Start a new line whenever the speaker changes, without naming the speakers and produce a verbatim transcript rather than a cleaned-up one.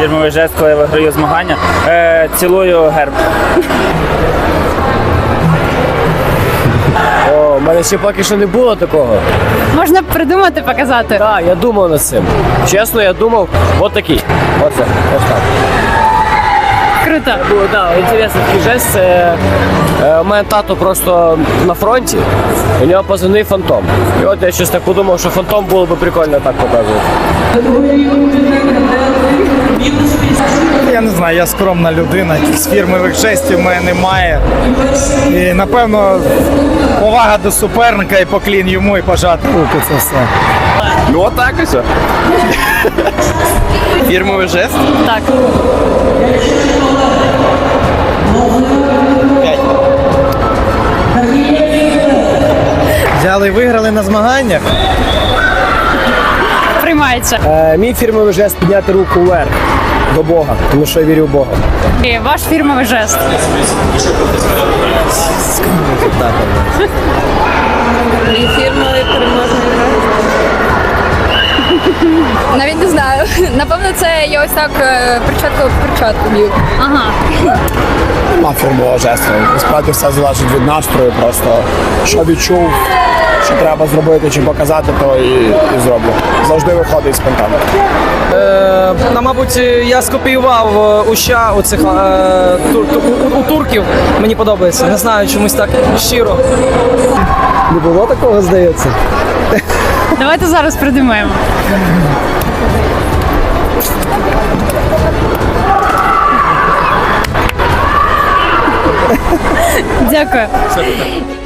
фірмовий жест, коли я виграю змагання. Е, цілую герб.
О, в мене ще поки що не було такого.
Можна придумати, показати.
Так, я думав над цим. Чесно, я думав, от такий. Оце, ось так.
Круто.
Було, да, інтересний такий жест. Це е, у мене тато просто на фронті, у нього позивний Фантом. І от я щось так подумав, що Фантом було б прикольно так показувати.
Я не знаю, я скромна людина, з фірмових жестів в мене немає. І напевно повага до суперника і поклін йому і пожати руки, це все.
Ну отак ось. Фірмовий жест.
Так.
Взяли і виграли на змаганнях.
Приймається.
Е, мій фірмовий жест підняти руку вверх до Бога, тому що я вірю в Бога.
І ваш фірмовий жест.
Мій фірмовий переможний жест. Навіть не знаю. Напевно, це я ось так перчатку в перчатку б'ю.
Ага.
Нема фірмового жесту. Насправді все залежить від настрою. Просто що відчув, що треба зробити чи показати, то і, і зроблю. Завжди виходить спонтанно.
Е, ну, мабуть, я скопіював е, уща у цих е, тур, ту- у, у турків. Мені подобається. Не знаю, чомусь так щиро.
Не було такого, здається?
Давайте зараз придумаємо. Дякую.